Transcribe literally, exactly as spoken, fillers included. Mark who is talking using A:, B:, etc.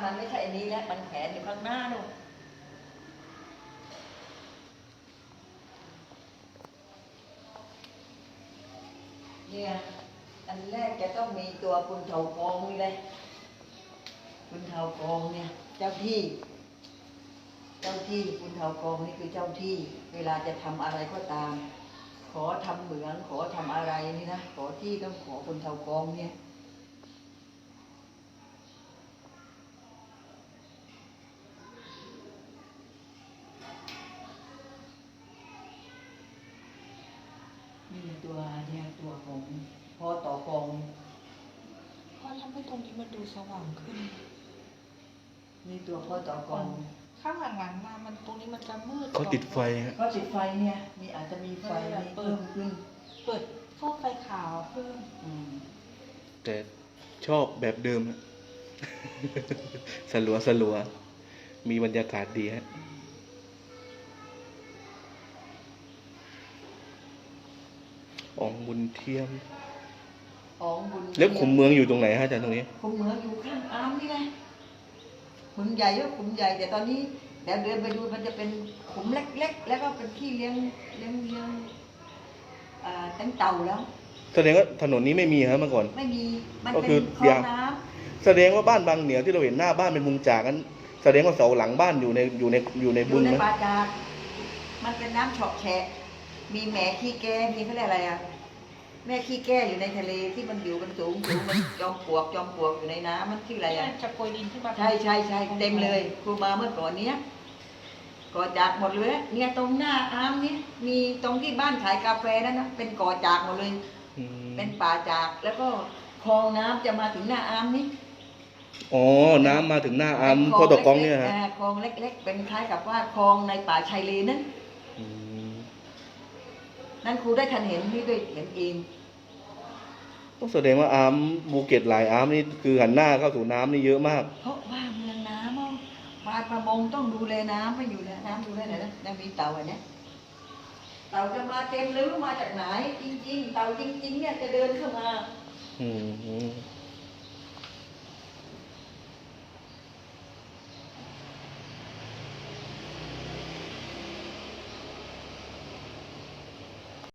A: มันไม่ใช่อันนี้แล้วมันแขวนอยู่ข้างหน้านู่นเนี่ยอันแรกจะต้องมีตัวปุนเถากองนี่เลยปุนเถากองเนี่ยเจ้าที่เจ้าที่ปุนเถากองนี่คือเจ้าที่เวลาจะทำอะไรก็ตามขอทำเหมืองขอทำอะไรนี่นะขอที่ต้องขอปุนเถากองเนี่ยนี่ตัวเนี่ยตัวของพ่อต่อกอง
B: เพราะทำให้ตรงนี้มันดูสว่างขึ้น
A: นี่ตัวพ่อต่อกอง
B: ข้างหลังๆมามันตรงนี้มันจะมืด
C: เขาติดไฟฮะ
A: เขาติดไฟเนี่ยมีอาจจะมีไฟเพิ่มขึ้น
B: เปิดฟอกไฟขาวเพิ่ม
C: แต่ชอบแบบเดิมฮะ สลัวสลัวมีบรรยากาศดีฮะองบุญเทียม
A: องบุญ
C: แล้วขุมเมืองอยู่ตรงไหนฮะอาจารย์ตรงนี้
A: ขุมเมืองอยู่ข้างอ้ามนี่ไงขุมใหญ่ก็ขุมใหญ่แต่ตอนนี้เดี๋ยวเดินไปดูมันจะเป็นขุมเล็กๆแล้วก็เป็นที่เลี้ยงเลี้ยงเลี้ยงตั้งเต่าแล้ว
C: แสดงว่าถนนนี้ไม่มีฮะเมื่อก่อน
A: ไม่มีมันเป็นคลองน้
C: ำแสดงว่าบ้านบางเหนียวที่เราเห็นหน้าบ้านเป็นมุงจากกันแสดงว่าเสาหลังบ้านอยู่ในอยู่ในอยู่ในบึง
A: นะป่าจากมันเป็นน้ำเฉาะแฉะมีแหมขี้แก้มีเขาเรียกอะไรอ่ะแม่ขี้แก้อยู่ในทะเลที่มันอยู่กันสูงสูงมันจอมปลวกจอมปลวกอยู่ในน้ำมันชื่ออะไรอ่ะ
B: จะโกยดินขึ้นมา
A: ใช่ใช่ใช่เต็มเลยครูมาเมื่อก่อนเนี้ยก่อจากหมดเลยเนี่ยตรงหน้าอ้ามนี้มีตรงที่บ้านขายกาแฟนั่นนะเป็นก่อจากหมดเลยเป็นป่าจากแล้วก็คลองน้ำจะมาถึงหน้าอ้ามนี้
C: อ๋อน้ำมาถึงหน้าอ้ามพ่อตะกองเนี่ยฮะ
A: คลองเล็กๆเป็นคล้ายกับว่าคลองในป่าชายเลนนั้นนั่นครูได้ทันเห็นที่ด้วยเห็นเอง
C: ต้องแสดงว่าอ้ามภูเก็ตหลายอ้ามนี่คือหันหน้าเข้าสู่น้ำนี่เยอะมาก
A: เพราะว่าเมืองน้ำปลาประมงต้องดูแลน้ำไม่อยู่แล้วน้ำดูแลไหนนะยังมีเต่าอันนี้เต่าจะมาเต็มหรือมาจากไหนจริงๆเต่าจริงๆเนี่ยจะเดินเข้ามา
C: อืม